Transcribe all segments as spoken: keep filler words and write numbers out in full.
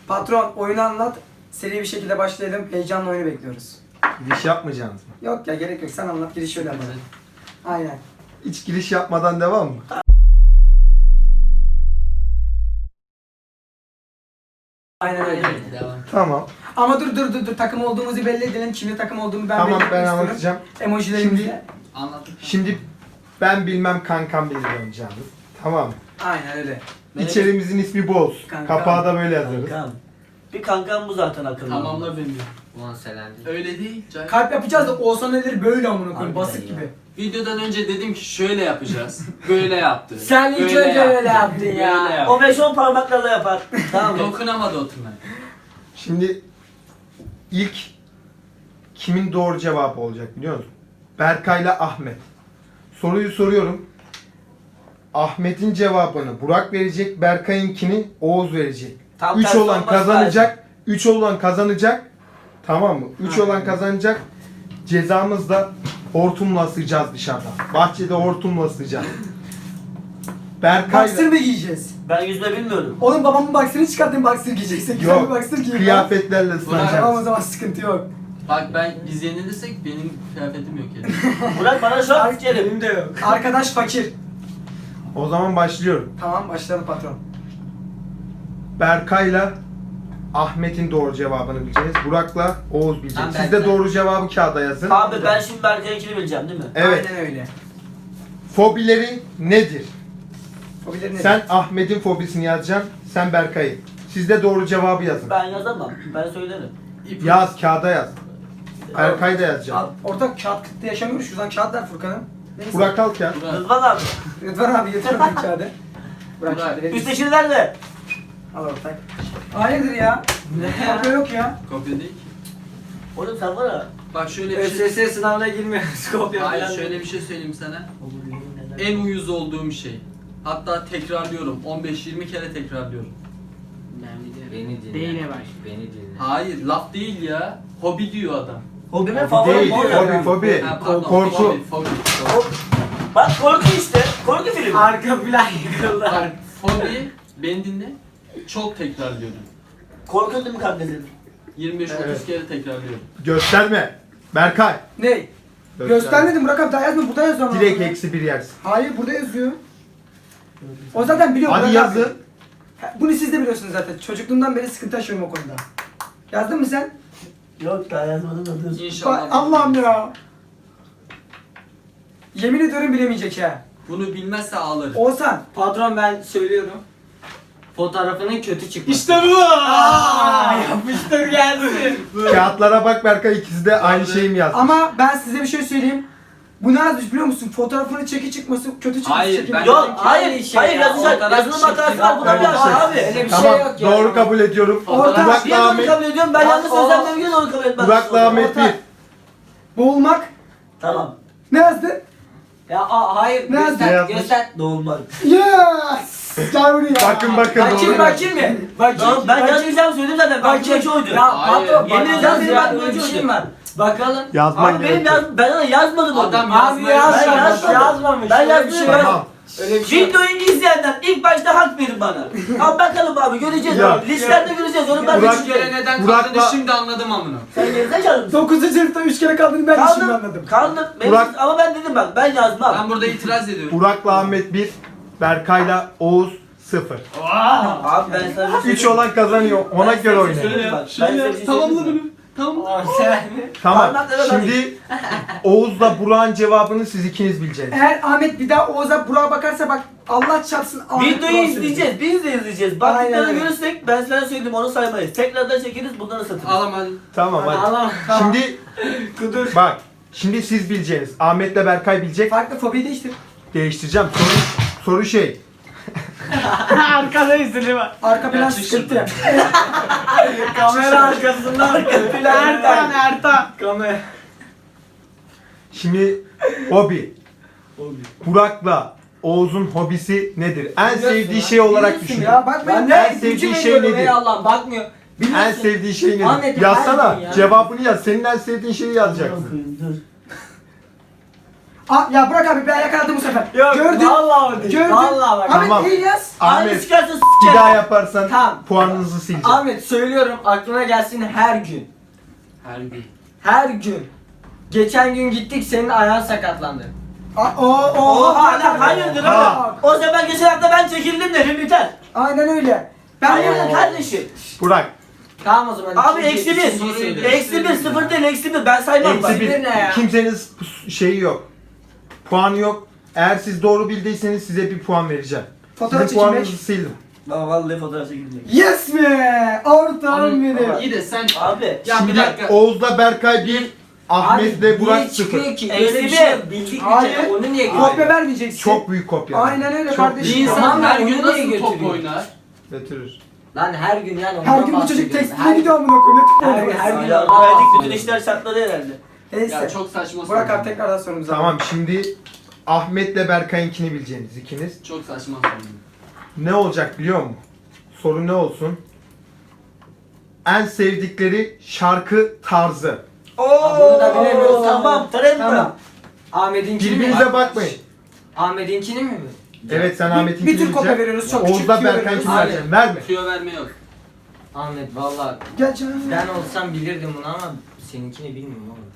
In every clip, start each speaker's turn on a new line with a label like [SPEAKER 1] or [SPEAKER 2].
[SPEAKER 1] Patron oyunu anlat. Seri bir şekilde başlayalım. Heyecanla oyunu bekliyoruz.
[SPEAKER 2] Giriş yapmayacaksınız mı?
[SPEAKER 1] Yok ya gerek yok. Sen anlat. Giriş şöyle yapalım. Aynen.
[SPEAKER 2] Hiç giriş yapmadan devam mı?
[SPEAKER 1] Aynen öyle.
[SPEAKER 3] Devam.
[SPEAKER 2] Tamam.
[SPEAKER 1] Ama dur dur dur dur. Takım olduğumuzu belli edelim. Kimle takım olduğumu ben
[SPEAKER 2] Tamam
[SPEAKER 1] belli etmek
[SPEAKER 2] ben
[SPEAKER 1] istiyorum.
[SPEAKER 2] anlatacağım.
[SPEAKER 1] Emojilerimizle.
[SPEAKER 2] Şimdi-
[SPEAKER 3] Anlattık.
[SPEAKER 2] Şimdi ben bilmem kankam bilir oynayacağımız. Tamam mı?
[SPEAKER 1] Aynen öyle.
[SPEAKER 2] İçerimizin ismi Boz.
[SPEAKER 1] Kankam.
[SPEAKER 2] Kapağı da böyle yazarız.
[SPEAKER 4] Kankam. Bir kankam bu zaten akıllı.
[SPEAKER 3] Tamamla beni.
[SPEAKER 5] Ulan selendi.
[SPEAKER 3] Öyle değil. Cahil.
[SPEAKER 1] Kalp yapacağız da Oğuzhan nedir böyle amına koyayım.
[SPEAKER 4] Harbiden
[SPEAKER 1] Basık
[SPEAKER 4] ya.
[SPEAKER 1] gibi.
[SPEAKER 3] Videodan önce dedim ki şöyle yapacağız. Böyle yaptı.
[SPEAKER 1] Sen ilk
[SPEAKER 3] Böyle
[SPEAKER 1] önce
[SPEAKER 3] yaptı.
[SPEAKER 1] öyle yaptın ya.
[SPEAKER 3] Böyle yaptı.
[SPEAKER 4] O beş on parmaklarla yapar. Tamam mı?
[SPEAKER 3] Dokunamadı oturmaya.
[SPEAKER 2] Şimdi ilk kimin doğru cevabı olacak biliyor musun? Berkay'la Ahmet. Soruyu soruyorum. Ahmet'in cevabını Burak verecek, Berkay'ınkini Oğuz verecek.
[SPEAKER 4] Tam
[SPEAKER 2] üç
[SPEAKER 4] tersi
[SPEAKER 2] olan
[SPEAKER 4] olmaz
[SPEAKER 2] kazanacak. üç olan kazanacak. Tamam mı? üç
[SPEAKER 1] Aynen.
[SPEAKER 2] olan kazanacak. Cezamız da hortumla ısıyacağız dışarıda. Bahçede hortumla ısıyacağız. Berkay'la
[SPEAKER 1] Boxer mı giyeceğiz?
[SPEAKER 4] Ben yüzme bilmiyorum.
[SPEAKER 1] Oğlum babamın boxer'ını çıkartayım boxer giyeceksin. Güzel bir
[SPEAKER 2] yok.
[SPEAKER 1] boxer giyin.
[SPEAKER 2] Kıyafetlerle
[SPEAKER 1] Tamam o
[SPEAKER 2] ıslanacağız.
[SPEAKER 1] zaman sıkıntı yok.
[SPEAKER 3] Bak ben biz yenilirsek benim kıyafetim yok yani.
[SPEAKER 4] Burak bana şu an sikerim.
[SPEAKER 1] Benim de yok. Arkadaş fakir.
[SPEAKER 2] O zaman başlıyorum.
[SPEAKER 1] Tamam başlayalım patron.
[SPEAKER 2] Berkay'la Ahmet'in doğru cevabını bileceğiz. Burak'la Oğuz bilecek.
[SPEAKER 5] Tamam,
[SPEAKER 2] Siz de
[SPEAKER 5] Berkay.
[SPEAKER 2] doğru cevabı kağıda yazın.
[SPEAKER 4] Abi ben şimdi Berkay'ınkini bileceğim değil mi?
[SPEAKER 2] Evet.
[SPEAKER 1] Aynen öyle.
[SPEAKER 2] Fobileri nedir?
[SPEAKER 1] Fobileri nedir?
[SPEAKER 2] Sen Ahmet'in fobisini yazacaksın. Sen Berkay'ı. Siz de doğru cevabı yazın.
[SPEAKER 4] Ben yazamam. Ben söylerim.
[SPEAKER 3] İp-
[SPEAKER 2] Yaz kağıda yaz. Berkay da yazacak.
[SPEAKER 1] Al, ortak kağıt kıtlığı yaşamıyoruz. Şuradan kağıt ver Furkan'ım. Neyse.
[SPEAKER 2] Burak al kağıt.
[SPEAKER 3] Burak.
[SPEAKER 4] Rıdvan abi.
[SPEAKER 1] Rıdvan abi getir bakayım kağıdı. Burak
[SPEAKER 3] Burak.
[SPEAKER 1] kağıdı verir misin?
[SPEAKER 4] Üsttekini nerede?
[SPEAKER 1] Al ortak. Hayırdır ya?
[SPEAKER 4] Ne ya?
[SPEAKER 1] Kopya yok ya.
[SPEAKER 3] Kopya değil ki.
[SPEAKER 4] Oğlum sen var ya.
[SPEAKER 3] Bak şöyle bir şey.
[SPEAKER 1] ÖSS sınavına girmiyoruz. Kopya
[SPEAKER 3] Hayır
[SPEAKER 1] falan
[SPEAKER 3] şöyle
[SPEAKER 1] değil.
[SPEAKER 3] bir şey söyleyeyim sana.
[SPEAKER 4] Olur, yemin ederim.
[SPEAKER 3] En uyuz olduğum şey. Hatta tekrarlıyorum. on beş yirmi kere tekrarlıyorum.
[SPEAKER 5] Beni dinle.
[SPEAKER 1] Değine baş.
[SPEAKER 5] Beni dinle.
[SPEAKER 3] Hayır laf değil ya. Hobi diyor adam.
[SPEAKER 4] Hobimin
[SPEAKER 2] Fobi
[SPEAKER 4] favorim
[SPEAKER 2] değil,
[SPEAKER 4] o ya.
[SPEAKER 2] fobi, fobi.
[SPEAKER 3] Ha, pardon,
[SPEAKER 2] Korku.
[SPEAKER 3] Fobi, fobi, fobi.
[SPEAKER 4] Bak korku işte. Korku filmi.
[SPEAKER 1] Arka plan yıkıldı.
[SPEAKER 3] Bak, fobi, beni dinle. Çok tekrarlıyorum.
[SPEAKER 4] Korkun değil mi kardeşim?
[SPEAKER 3] yirmi beş otuz
[SPEAKER 2] Evet.
[SPEAKER 3] kere tekrarlıyorum.
[SPEAKER 2] Gösterme. Berkay.
[SPEAKER 1] Ne? Göstermedim Burak abi daha yazma burada yazıyor ama.
[SPEAKER 2] Direkt eksi bir yersin.
[SPEAKER 1] Hayır burada yazıyor. O zaten biliyor
[SPEAKER 2] Hadi
[SPEAKER 1] Burak
[SPEAKER 2] yazın.
[SPEAKER 1] abi. Ha, bunu siz de biliyorsunuz zaten. Çocukluğumdan beri sıkıntı yaşıyorum o konuda. Yazdın mı sen?
[SPEAKER 4] Yok daha yazmadım da dur.
[SPEAKER 3] İnşallah.
[SPEAKER 1] Bak, Allah'ım ya. Yemin ediyorum bilemeyecek ha.
[SPEAKER 3] Bunu bilmezse ağlarım.
[SPEAKER 1] Oğuzhan.
[SPEAKER 5] Patron ben söylüyorum. Fotoğrafının kötü çıkması.
[SPEAKER 1] İşte bu. Aa, yapıştır gelsin.
[SPEAKER 2] Kağıtlara bak Berkay, ikisi de aynı şeyi mi yazdı?
[SPEAKER 1] Ama ben size bir şey söyleyeyim. Bu ne yazmış biliyor musun? Fotoğrafını çeki çıkması kötü çıkması
[SPEAKER 3] Hayır,
[SPEAKER 1] çekim.
[SPEAKER 3] ben-
[SPEAKER 4] Yok
[SPEAKER 5] Dedim ki
[SPEAKER 4] hayır.
[SPEAKER 5] aynı şey
[SPEAKER 4] hayır
[SPEAKER 5] ya,
[SPEAKER 4] yazacak.
[SPEAKER 3] fotoğraf
[SPEAKER 4] Yazılım hatası
[SPEAKER 3] çekti.
[SPEAKER 4] var. Buna
[SPEAKER 2] Öyle
[SPEAKER 4] bir
[SPEAKER 2] bir
[SPEAKER 4] yazar
[SPEAKER 2] şey.
[SPEAKER 4] abi.
[SPEAKER 5] Öyle bir
[SPEAKER 2] Tamam,
[SPEAKER 5] şey yok ya.
[SPEAKER 2] doğru kabul ediyorum.
[SPEAKER 1] Orta-
[SPEAKER 2] Burak'la
[SPEAKER 4] Niye doğru
[SPEAKER 2] Ahmet,
[SPEAKER 4] kabul ediyorum? Ben yanlış
[SPEAKER 1] o-
[SPEAKER 4] sözlerden niye doğru kabul etmem?
[SPEAKER 2] Burak'la Ahmet bir.
[SPEAKER 1] Boğulmak.
[SPEAKER 4] Tamam.
[SPEAKER 1] Ne yazdı?
[SPEAKER 5] Ya aa, hayır.
[SPEAKER 1] Ne
[SPEAKER 2] Ne
[SPEAKER 5] Göster.
[SPEAKER 2] yazmış?
[SPEAKER 5] Göster.
[SPEAKER 4] Doğulmak.
[SPEAKER 1] Yes! Gel buraya.
[SPEAKER 2] Bakın bakın
[SPEAKER 5] Bakayım
[SPEAKER 2] doğru.
[SPEAKER 5] bakayım mı? Bakayım.
[SPEAKER 4] Tamam ben
[SPEAKER 5] bakayım.
[SPEAKER 4] yazmayacağım söyledim zaten. Ben
[SPEAKER 5] Bakayım.
[SPEAKER 4] bu oydu.
[SPEAKER 5] Ya
[SPEAKER 3] Hayır.
[SPEAKER 5] patron.
[SPEAKER 4] Yemin
[SPEAKER 5] bak-
[SPEAKER 4] ederim benim
[SPEAKER 5] ya,
[SPEAKER 4] aklımda
[SPEAKER 5] böyle bir
[SPEAKER 4] öyle
[SPEAKER 5] şey
[SPEAKER 4] oldu.
[SPEAKER 5] var. Bakalım.
[SPEAKER 2] Yazman
[SPEAKER 4] Abi benim
[SPEAKER 2] gerekiyor.
[SPEAKER 4] yaz, ben ona yazmadım onu.
[SPEAKER 3] Adam
[SPEAKER 5] Abi
[SPEAKER 3] yazmaya
[SPEAKER 5] yazmamış.
[SPEAKER 4] Ben yazmadım.
[SPEAKER 5] Yazmamış.
[SPEAKER 4] Ben
[SPEAKER 5] Öyle bir
[SPEAKER 4] yazmıyorum.
[SPEAKER 5] şey yok.
[SPEAKER 2] Tamam.
[SPEAKER 5] Öyle bir şey yok.
[SPEAKER 4] Videoyu izleyenler ilk başta hak verin bana. Al bakalım abi göreceğiz.
[SPEAKER 2] Ya.
[SPEAKER 4] Abi. Listelerde göreceğiz. Onu ben de
[SPEAKER 2] Burak-
[SPEAKER 3] Üç kere
[SPEAKER 4] çıkıyorum.
[SPEAKER 3] neden
[SPEAKER 2] Burak'la-
[SPEAKER 3] kaldığını şimdi anladım amına.
[SPEAKER 4] Sen gerizekalı mısın?
[SPEAKER 1] dokuzuncu sınıfta üç kere kaldığını ben de şimdi
[SPEAKER 4] Kaldım.
[SPEAKER 1] anladım.
[SPEAKER 4] Kaldım. Benim-
[SPEAKER 2] Burak-
[SPEAKER 4] Ama ben dedim bak ben yazmam.
[SPEAKER 3] Ben burada itiraz ediyorum.
[SPEAKER 2] Burak'la Ahmet bir. Berkay'la Oğuz sıfır.
[SPEAKER 4] Abi ben sana bir şey
[SPEAKER 2] üç olan kazanıyor. Ona
[SPEAKER 4] Ben
[SPEAKER 2] göre
[SPEAKER 4] size bir şey
[SPEAKER 2] oynayın.
[SPEAKER 4] söyleyeyim bak. Ben size bir şey
[SPEAKER 3] Tamamla
[SPEAKER 4] söyleyeyim mi?
[SPEAKER 3] bunu. Tamam.
[SPEAKER 5] Aa, sen-
[SPEAKER 2] Tamam.
[SPEAKER 4] Parmaklara bak.
[SPEAKER 2] Şimdi Oğuz'la Burak'ın cevabını siz ikiniz bileceksiniz.
[SPEAKER 1] Eğer Ahmet bir daha Oğuz'a Burak'a bakarsa bak Allah çarpsın Ahmet
[SPEAKER 4] Videoyu
[SPEAKER 1] Burak'ı
[SPEAKER 4] izleyeceğiz. Biz de izleyeceğiz.
[SPEAKER 1] Aynen
[SPEAKER 4] Baktıklarını
[SPEAKER 1] öyle.
[SPEAKER 4] görürsek ben sana söyledim onu saymayız. Tekrardan çekeriz buradan satırız.
[SPEAKER 3] Ağlama hadi.
[SPEAKER 2] Tamam hadi.
[SPEAKER 5] Allah'ım.
[SPEAKER 2] Şimdi bak. Şimdi siz bileceğiniz. Ahmet'le Berkay bilecek.
[SPEAKER 1] Farklı fobiyi değiştir.
[SPEAKER 2] Değiştireceğim. Soru, soru şey.
[SPEAKER 1] Arkadayız değil mi? Arka plan
[SPEAKER 3] Gerçek
[SPEAKER 1] sıkıntı.
[SPEAKER 5] Kamera arkasından.
[SPEAKER 1] Ertan Ertan.
[SPEAKER 5] Kamera.
[SPEAKER 2] Şimdi hobi. Burak'la Oğuz'un hobisi nedir? En sevdiği şey olarak düşün.
[SPEAKER 1] Ya bak ben
[SPEAKER 5] Ben
[SPEAKER 2] En
[SPEAKER 5] de
[SPEAKER 2] sevdiği
[SPEAKER 5] gücüm
[SPEAKER 2] şey
[SPEAKER 5] veriyorum
[SPEAKER 2] nedir?
[SPEAKER 5] ey Allah'ım bakmıyor.
[SPEAKER 2] En
[SPEAKER 5] Biliyorsun.
[SPEAKER 2] sevdiği şey nedir?
[SPEAKER 5] Ahmet'im,
[SPEAKER 2] Yazsana.
[SPEAKER 5] her gün ya.
[SPEAKER 2] Cevabını yaz. Senin en sevdiğin şeyi yazacaksın.
[SPEAKER 4] Dur.
[SPEAKER 1] Aa, ya bırak abi ben yakaladım bu sefer.
[SPEAKER 4] Yok,
[SPEAKER 1] Gördün.
[SPEAKER 4] vallahi o değil.
[SPEAKER 1] Gördün.
[SPEAKER 4] Vallahi bak.
[SPEAKER 1] Ahmet
[SPEAKER 2] Tamam.
[SPEAKER 1] değil yaz.
[SPEAKER 4] Aynı
[SPEAKER 2] Ahmet
[SPEAKER 4] çıkarsa
[SPEAKER 2] bir
[SPEAKER 4] sikerim.
[SPEAKER 2] daha yaparsan
[SPEAKER 4] Tamam.
[SPEAKER 2] puanınızı sileceğim.
[SPEAKER 4] Ahmet söylüyorum aklına gelsin her gün.
[SPEAKER 3] Her gün.
[SPEAKER 4] Her gün. Geçen gün gittik senin ayağın sakatlandı.
[SPEAKER 1] Aa, o o.
[SPEAKER 4] Oha lan hayırdır
[SPEAKER 2] Ha.
[SPEAKER 4] oğlum? O zaman geçen hafta ben çekildim dedim biter.
[SPEAKER 1] Aynen öyle. Ben
[SPEAKER 4] Hayırdır
[SPEAKER 1] bunu
[SPEAKER 4] kardeşim?
[SPEAKER 2] Burak.
[SPEAKER 4] Tamam o zaman.
[SPEAKER 3] Abi,
[SPEAKER 4] Abi eksi
[SPEAKER 3] ikinciyi
[SPEAKER 4] bir.
[SPEAKER 3] söylüyorum.
[SPEAKER 4] Eksi bir sıfır değil eksi bir ben saymam bak.
[SPEAKER 2] Eksi bir.
[SPEAKER 4] ne ya?
[SPEAKER 2] Kimsenin şeyi yok. Puanı yok. Eğer siz doğru bildiyseniz size bir puan vereceğim.
[SPEAKER 1] Fotoğraf
[SPEAKER 2] Sizin puanınızı
[SPEAKER 1] çekilmek.
[SPEAKER 2] sildim.
[SPEAKER 4] Baba vallahi fotoğraf çekildim.
[SPEAKER 1] Yes be! Ortağım benim.
[SPEAKER 3] İyi de sen...
[SPEAKER 4] Abi.
[SPEAKER 3] Ya bir
[SPEAKER 2] Şimdi
[SPEAKER 3] dakika.
[SPEAKER 2] Oğuz'la Berkay bir, Ahmet'le Burak sıfır.
[SPEAKER 4] Ki?
[SPEAKER 5] Öyle
[SPEAKER 4] Öyle
[SPEAKER 5] bir
[SPEAKER 4] bir
[SPEAKER 5] şey
[SPEAKER 4] şey
[SPEAKER 5] yok.
[SPEAKER 4] bildik
[SPEAKER 1] Hayır.
[SPEAKER 4] bir kere onu niye
[SPEAKER 1] Kopya
[SPEAKER 4] götürüyor?
[SPEAKER 1] vermeyeceksin.
[SPEAKER 2] Çok büyük kopya.
[SPEAKER 1] Aynen öyle
[SPEAKER 2] Çok
[SPEAKER 1] kardeşim.
[SPEAKER 3] Bir
[SPEAKER 2] büyük
[SPEAKER 3] insan
[SPEAKER 4] Tamam,
[SPEAKER 3] her
[SPEAKER 4] onu
[SPEAKER 3] gün
[SPEAKER 4] niye
[SPEAKER 3] nasıl top
[SPEAKER 4] götürüyor?
[SPEAKER 3] oynar?
[SPEAKER 2] Getirir.
[SPEAKER 4] Lan her gün yani ondan
[SPEAKER 1] Her gün bu çocuk
[SPEAKER 4] bahsediyorum.
[SPEAKER 1] tekstile
[SPEAKER 4] Her-
[SPEAKER 1] gidiyor amına koyayım. Ne
[SPEAKER 4] Her,
[SPEAKER 1] tık
[SPEAKER 4] her
[SPEAKER 1] oldu?
[SPEAKER 4] gün
[SPEAKER 5] Ya,
[SPEAKER 4] ondan
[SPEAKER 5] verdik
[SPEAKER 4] bahsediyorum.
[SPEAKER 5] bütün işler şartları herhalde.
[SPEAKER 1] Neyse.
[SPEAKER 3] Ya çok saçma
[SPEAKER 1] Burak
[SPEAKER 3] soru.
[SPEAKER 1] abi tekrardan sorumuza.
[SPEAKER 2] Tamam şimdi Ahmet'le Berkay'ınkini bileceğiniz ikiniz.
[SPEAKER 3] Çok saçma soru.
[SPEAKER 2] Ne olacak biliyor musun? Soru ne olsun? En sevdikleri şarkı tarzı.
[SPEAKER 4] Aa, bunu da bilemiyoruz.
[SPEAKER 5] Tamam, tren mi?
[SPEAKER 1] Tamam.
[SPEAKER 4] Ahmet'inkini mi?
[SPEAKER 2] Birbirinize bakmayın.
[SPEAKER 4] Ahmet'inkini mi?
[SPEAKER 2] Evet sen
[SPEAKER 1] Bir,
[SPEAKER 2] Ahmet'inkini
[SPEAKER 1] bir tür kopya
[SPEAKER 2] bileceksin.
[SPEAKER 1] veriyoruz. Çok küçük
[SPEAKER 2] Oğuz'la
[SPEAKER 1] tüyo
[SPEAKER 2] Berkay'ınkini
[SPEAKER 1] veriyoruz.
[SPEAKER 4] Abi.
[SPEAKER 2] vereceksin. Verme.
[SPEAKER 3] Tüyo verme yok.
[SPEAKER 4] Ahmet valla
[SPEAKER 1] Gel canım.
[SPEAKER 4] ben olsam bilirdim bunu ama seninkini bilmiyorum oğlum.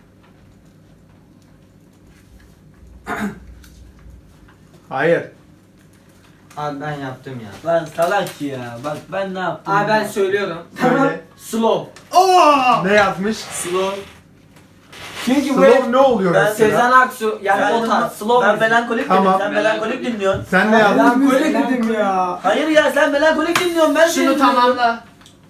[SPEAKER 2] Hayır.
[SPEAKER 4] Abi ben yaptım ya.
[SPEAKER 5] Lan salak ya. Bak ben ne yaptım?
[SPEAKER 4] Abi ben
[SPEAKER 5] ya?
[SPEAKER 4] söylüyorum.
[SPEAKER 2] Söyle.
[SPEAKER 4] Slow.
[SPEAKER 2] Ne yazmış?
[SPEAKER 4] Slow. Çünkü bu
[SPEAKER 2] Slow
[SPEAKER 4] hep
[SPEAKER 2] ne oluyor
[SPEAKER 5] Ben
[SPEAKER 2] mesela?
[SPEAKER 4] Sezen Aksu yani
[SPEAKER 5] Ben,
[SPEAKER 4] o tarz slow.
[SPEAKER 5] ben
[SPEAKER 4] müzik.
[SPEAKER 5] melankolik
[SPEAKER 2] Tamam.
[SPEAKER 5] dedim. Sen melankolik dinliyorsun.
[SPEAKER 2] Sen ne yazdın?
[SPEAKER 1] Ben böyle
[SPEAKER 4] Melankolik
[SPEAKER 1] dedim ya.
[SPEAKER 5] Hayır ya sen melankolik dinliyorsun. Ben
[SPEAKER 3] Şunu
[SPEAKER 5] dinliyorum.
[SPEAKER 3] tamamla.